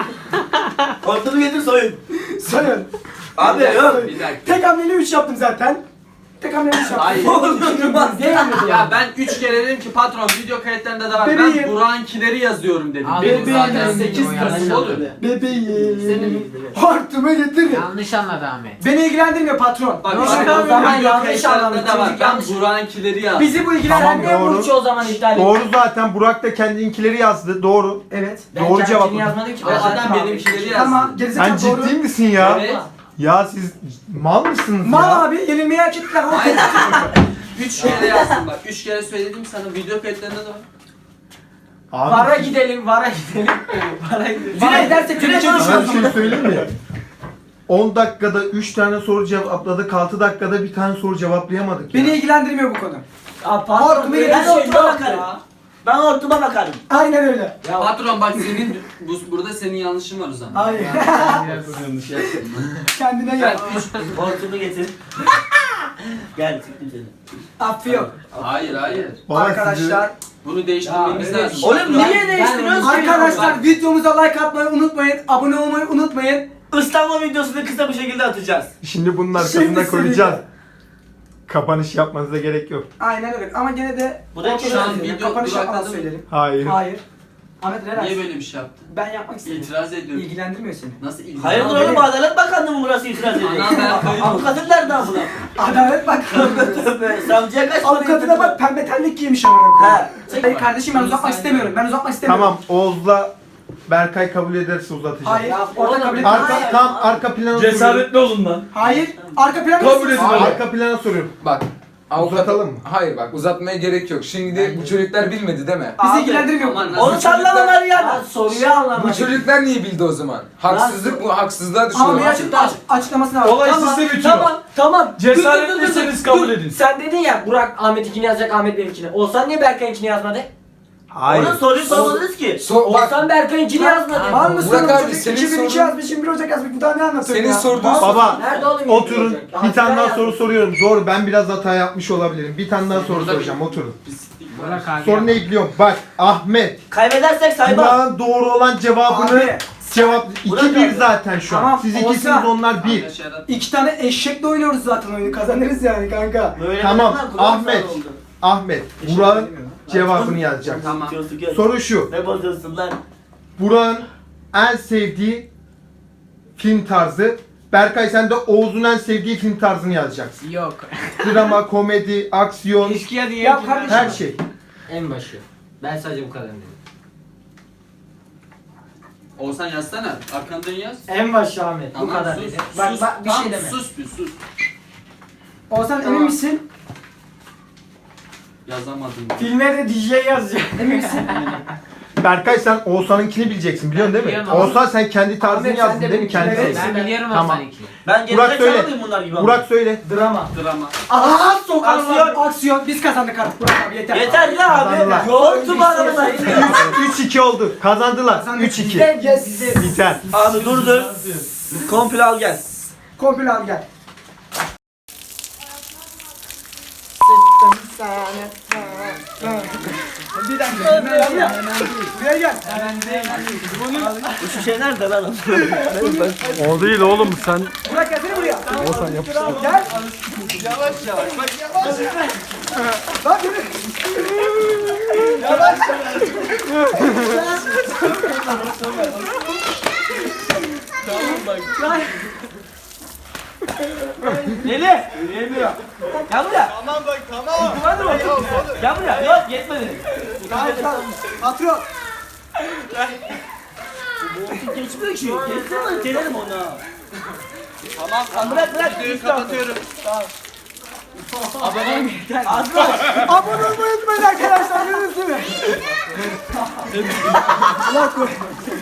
[SPEAKER 5] Hortumu getir soyun.
[SPEAKER 1] Sayın.
[SPEAKER 5] Abi yok.
[SPEAKER 3] Bir dakika.
[SPEAKER 1] Tek hamleli üç yaptım zaten. Tek hamleli üç yaptım.
[SPEAKER 3] Hayır.
[SPEAKER 5] Olmaz.
[SPEAKER 1] Değil mi?
[SPEAKER 3] Ya ben üç kere dedim ki patron video kayıtlarında da var.
[SPEAKER 1] Bebeğim.
[SPEAKER 3] Ben Burak'ınkileri yazıyorum dedim.
[SPEAKER 6] Al,
[SPEAKER 3] Benim
[SPEAKER 1] bebeğim.
[SPEAKER 3] zaten sekiz
[SPEAKER 6] O
[SPEAKER 3] Kasım
[SPEAKER 6] yanlış
[SPEAKER 3] olur.
[SPEAKER 6] anladı.
[SPEAKER 1] Bebeğim. Hortumu getirin.
[SPEAKER 6] Yanlış anladı Ahmet.
[SPEAKER 1] Beni ilgilendirmiyor patron.
[SPEAKER 3] Bak
[SPEAKER 4] Yok,
[SPEAKER 3] bak,
[SPEAKER 4] o zaman
[SPEAKER 3] video
[SPEAKER 4] yanlış
[SPEAKER 3] kayıtlarında
[SPEAKER 4] anlamış,
[SPEAKER 3] da var.
[SPEAKER 4] çocuk
[SPEAKER 3] Ben
[SPEAKER 4] yanlış-
[SPEAKER 3] Burak'ınkileri yazdım.
[SPEAKER 1] Bizi bu ilgilendirmiyor.
[SPEAKER 2] Tamam,
[SPEAKER 4] Sen niye
[SPEAKER 2] doğru.
[SPEAKER 4] Burç'u o zaman iptal ettin?
[SPEAKER 2] Doğru zaten. Burak da kendinkileri yazdı. Doğru.
[SPEAKER 1] Evet.
[SPEAKER 4] Ben
[SPEAKER 2] Doğru
[SPEAKER 4] kendini
[SPEAKER 2] cevap.
[SPEAKER 4] yazmadım ki.
[SPEAKER 3] O
[SPEAKER 4] ben
[SPEAKER 3] adam
[SPEAKER 4] zaten
[SPEAKER 3] benimkileri
[SPEAKER 4] abi.
[SPEAKER 3] yazdı.
[SPEAKER 1] Tamam.
[SPEAKER 2] Sen
[SPEAKER 1] Gerizekalı doğru.
[SPEAKER 2] ciddi misin ya?
[SPEAKER 3] Evet.
[SPEAKER 2] Ya siz mal mısınız
[SPEAKER 1] Mal
[SPEAKER 2] ya?
[SPEAKER 1] abi yenilmeyi hak ettiler.
[SPEAKER 3] Hayır. Üç kere yazdım bak. Üç kere söyledim sana video kayıtlarında da var.
[SPEAKER 2] Abi,
[SPEAKER 4] Vara gidelim, vara gidelim. Vara gidelim.
[SPEAKER 1] Vara gidersek
[SPEAKER 5] Direkt
[SPEAKER 1] Türkiye
[SPEAKER 2] sana bir
[SPEAKER 1] düşüyoruz.
[SPEAKER 2] şey söyleyeyim mi? on dakikada üç tane soru cevapladık. altı dakikada bir tane soru cevaplayamadık ya.
[SPEAKER 1] Beni ilgilendirmiyor bu konu.
[SPEAKER 4] Aa,
[SPEAKER 1] Hortumu
[SPEAKER 4] pardon, öyle
[SPEAKER 5] Ben
[SPEAKER 4] bir şey
[SPEAKER 5] hortuma
[SPEAKER 4] yok
[SPEAKER 5] bakarım.
[SPEAKER 4] ya.
[SPEAKER 5] Ben hortuma bakarım.
[SPEAKER 1] Aynen öyle.
[SPEAKER 4] Ya
[SPEAKER 3] Patron bak senin bu, burada senin yanlışın var o zaman.
[SPEAKER 1] Hayır.
[SPEAKER 3] Yanlış yaptın.
[SPEAKER 1] Kendine
[SPEAKER 3] Ben
[SPEAKER 1] gel.
[SPEAKER 3] üç...
[SPEAKER 5] Hortumu getir. Gel siktim seni.
[SPEAKER 1] Affı yok.
[SPEAKER 3] Hayır hayır.
[SPEAKER 2] Valla
[SPEAKER 1] Arkadaşlar.
[SPEAKER 3] Bunu değiştirmemiz
[SPEAKER 4] Ya, öyle
[SPEAKER 3] lazım.
[SPEAKER 5] Oğlum
[SPEAKER 3] Patron-
[SPEAKER 5] niye değiştiriyorsun ki?
[SPEAKER 1] Arkadaşlar videomuza like atmayı unutmayın. Abone olmayı unutmayın.
[SPEAKER 5] Islanma videosunu kısa bir şekilde atacağız.
[SPEAKER 2] Şimdi bunun
[SPEAKER 1] Şimdi
[SPEAKER 2] arkasında koyacağız.
[SPEAKER 1] söyleyeceğim.
[SPEAKER 2] Kapanış yapmanıza gerek yok.
[SPEAKER 1] Aynen öyle. Ama gene de
[SPEAKER 5] Bu da
[SPEAKER 3] şu an
[SPEAKER 1] söyleyelim.
[SPEAKER 3] video
[SPEAKER 1] Kapanış yapmadan
[SPEAKER 3] durakladı mı?
[SPEAKER 1] söyleyelim.
[SPEAKER 2] Hayır.
[SPEAKER 1] Hayır. Ahmet relax.
[SPEAKER 3] Niye böyle bir şey yaptın?
[SPEAKER 1] Ben yapmak istedim.
[SPEAKER 3] İtiraz ediyorum.
[SPEAKER 1] İlgilendirmiyor seni.
[SPEAKER 3] Nasıl ilgilen?
[SPEAKER 5] Hayırdır
[SPEAKER 1] Ama
[SPEAKER 5] oğlum
[SPEAKER 1] benim-
[SPEAKER 5] Adalet Bakanlığı mı burası itiraz ediyor?
[SPEAKER 3] Anam ben kayıp.
[SPEAKER 5] Avukatın nerede abla?
[SPEAKER 1] Adalet bak.
[SPEAKER 5] Tövbe, savcıya kaç para
[SPEAKER 1] Avukatına
[SPEAKER 5] yatırdın?
[SPEAKER 1] bak pembe terlik giymiş amına koyayım.
[SPEAKER 5] He.
[SPEAKER 1] Hayır kardeşim ben uzatmak
[SPEAKER 3] Sen-
[SPEAKER 1] istemiyorum. Ben uzatmak istemiyorum.
[SPEAKER 2] Tamam Oğuz'la Berkay kabul ederse uzatacağız.
[SPEAKER 1] Hayır.
[SPEAKER 4] Ya,
[SPEAKER 1] Orada
[SPEAKER 4] oğlum,
[SPEAKER 1] kabul
[SPEAKER 2] Arka,
[SPEAKER 1] etmiyorum.
[SPEAKER 2] tam arka plana soruyorum.
[SPEAKER 5] olun lan.
[SPEAKER 1] Hayır. Arka plan
[SPEAKER 7] Kabul edin.
[SPEAKER 2] Aa,
[SPEAKER 7] Öyle.
[SPEAKER 2] arka plana soruyorum.
[SPEAKER 7] Bak. Avukat...
[SPEAKER 2] Uzatalım mı?
[SPEAKER 7] Hayır bak uzatmaya gerek yok. Şimdi bu çocuklar bilmedi değil mi?
[SPEAKER 1] Bizi
[SPEAKER 5] Abi,
[SPEAKER 1] ilgilendirmiyor.
[SPEAKER 3] aman
[SPEAKER 1] bu.
[SPEAKER 3] lan.
[SPEAKER 5] Onu sallama lan
[SPEAKER 4] Ya
[SPEAKER 5] ya.
[SPEAKER 4] soruyu
[SPEAKER 7] Bu
[SPEAKER 4] anlamadım.
[SPEAKER 7] çocuklar niye bildi o zaman? Haksızlık mı? Haksızlığa
[SPEAKER 1] Ama bir
[SPEAKER 7] düşüyorlar.
[SPEAKER 1] açık, açık, açıklamasını var.
[SPEAKER 8] Olay
[SPEAKER 1] Tamam.
[SPEAKER 8] sizde bitiyor.
[SPEAKER 4] Tamam, tamam.
[SPEAKER 8] Cesaretliyseniz kabul edin.
[SPEAKER 4] Sen dedin ya Burak Ahmet'inkini yazacak, Ahmet benimkini. Olsan niye Berkay'ınkini yazmadı?
[SPEAKER 2] Hayır.
[SPEAKER 5] Onun soruyu sormadınız ki.
[SPEAKER 7] So, bak
[SPEAKER 4] Olsan Berkay'ınkini yazmadı.
[SPEAKER 1] Var mısın?
[SPEAKER 7] Burak abi,
[SPEAKER 1] Çocuk
[SPEAKER 7] senin
[SPEAKER 1] iki bin iki
[SPEAKER 7] sorun-
[SPEAKER 1] yazmış, yirmi bir Ocak yazmış. Bu daha ne anlatıyorsun
[SPEAKER 7] senin
[SPEAKER 1] ya?
[SPEAKER 7] sorduğun
[SPEAKER 1] Var-
[SPEAKER 2] Baba
[SPEAKER 4] Nerede oğlum?
[SPEAKER 2] oturun.
[SPEAKER 4] yirmi
[SPEAKER 2] Bir tane daha
[SPEAKER 4] Haziran
[SPEAKER 2] soru
[SPEAKER 4] yazdı.
[SPEAKER 2] soruyorum. Doğru ben biraz hata yapmış olabilirim. Bir tane daha soru
[SPEAKER 3] Burada
[SPEAKER 2] soracağım. Oturun.
[SPEAKER 3] Pislik var.
[SPEAKER 6] Burak abi.
[SPEAKER 2] Soru ne biliyorum? Bak Ahmet.
[SPEAKER 5] Kaybedersek saymam.
[SPEAKER 2] Burak'ın doğru olan cevabını
[SPEAKER 1] Abi,
[SPEAKER 2] cevap
[SPEAKER 5] Burak
[SPEAKER 2] iki bir
[SPEAKER 5] abi.
[SPEAKER 2] zaten şu an.
[SPEAKER 1] Tamam,
[SPEAKER 2] Siz
[SPEAKER 1] olsa-
[SPEAKER 2] ikisiniz onlar bir.
[SPEAKER 3] Arkadaş yarat-
[SPEAKER 1] İki tane eşekle oynuyoruz zaten oyunu. Kazanırız yani kanka.
[SPEAKER 5] Böyle
[SPEAKER 2] Tamam,
[SPEAKER 5] demem lan, kulağım
[SPEAKER 2] Ahmet.
[SPEAKER 5] sağır oldu.
[SPEAKER 2] Ahmet. Burak'ın cevabını yazacak.
[SPEAKER 3] Tamam.
[SPEAKER 5] Diyorsun ki,
[SPEAKER 2] Soru şu.
[SPEAKER 5] Ne bozuyorsun lan?
[SPEAKER 2] Burak'ın en sevdiği film tarzı. Berkay sen de Oğuz'un en sevdiği film tarzını yazacaksın.
[SPEAKER 6] Yok.
[SPEAKER 2] Drama, komedi, aksiyon,
[SPEAKER 6] İlişkiye diye.
[SPEAKER 1] Ya kardeşim.
[SPEAKER 2] her şey.
[SPEAKER 4] En başı. Ben sadece bu kadar dedim.
[SPEAKER 3] Oğuzhan yazsana. Arkandan yaz.
[SPEAKER 4] En başı Ahmet. Bu
[SPEAKER 3] Tamam,
[SPEAKER 4] kadar
[SPEAKER 3] sus,
[SPEAKER 4] dedim.
[SPEAKER 3] sus,
[SPEAKER 4] Bak bak bir
[SPEAKER 3] tamam,
[SPEAKER 4] şey deme.
[SPEAKER 3] Sus bir sus.
[SPEAKER 1] Oğuzhan emin misin?
[SPEAKER 3] Yazamadım.
[SPEAKER 4] Filme de D J yazacak.
[SPEAKER 1] Emin misin?
[SPEAKER 2] Berkay sen Oğuzhan'ınkini bileceksin biliyorsun değil mi?
[SPEAKER 6] Biliyorum ama-
[SPEAKER 2] Oğuzhan sen kendi tarzını
[SPEAKER 1] Ahmet, sen
[SPEAKER 2] yazdın
[SPEAKER 1] de
[SPEAKER 2] değil mi?
[SPEAKER 1] benimkini
[SPEAKER 2] Kendi
[SPEAKER 1] evet.
[SPEAKER 2] tarzını.
[SPEAKER 6] Ben biliyorum
[SPEAKER 2] Tamam.
[SPEAKER 6] Hasan'ınkini.
[SPEAKER 5] Ben
[SPEAKER 2] Burak
[SPEAKER 5] gerizekalı
[SPEAKER 2] söyle.
[SPEAKER 5] mıyım bunlar gibi?
[SPEAKER 2] Burak söyle.
[SPEAKER 4] Drama.
[SPEAKER 3] Drama.
[SPEAKER 1] Aa sokarlar.
[SPEAKER 5] Aksiyon.
[SPEAKER 1] Aksiyon. Biz kazandık artık Burak abi yeter.
[SPEAKER 5] Yeter ya
[SPEAKER 2] Kazandılar.
[SPEAKER 5] abi. Yoğurtum arada.
[SPEAKER 2] üç iki oldu. Kazandılar.
[SPEAKER 1] Kazandık.
[SPEAKER 2] üç iki.
[SPEAKER 1] Bizde- Yes.
[SPEAKER 2] Biter.
[SPEAKER 5] Abi dur dur. Komple al gel.
[SPEAKER 1] Komple al gel. Bir dakika. Buraya Buraya gel.
[SPEAKER 5] Bu şişe nerede lan?
[SPEAKER 8] O değil oğlum sen.
[SPEAKER 1] Burak gelsene buraya. Oğuzhan yapıştır. Gel. Yavaş yavaş. Bak yavaş yavaş. Lan yürü. Yavaş yavaş. Tamam bak.
[SPEAKER 5] Deli. Yürüyemiyor. Gel buraya.
[SPEAKER 1] Tamam bak tamam.
[SPEAKER 5] Hadi bakayım. Gel buraya. Yok yetmedi.
[SPEAKER 1] Tamam tamam. Patron.
[SPEAKER 5] Geçmiyor ki. Geçsene lan gelelim ona.
[SPEAKER 1] Tamam
[SPEAKER 5] Lan bırak bırak.
[SPEAKER 1] videoyu kapatıyorum.
[SPEAKER 5] Abone yeter. Azra.
[SPEAKER 1] Abone olmayı unutmayın arkadaşlar. Görüşürüz değil mi? Allah korusun.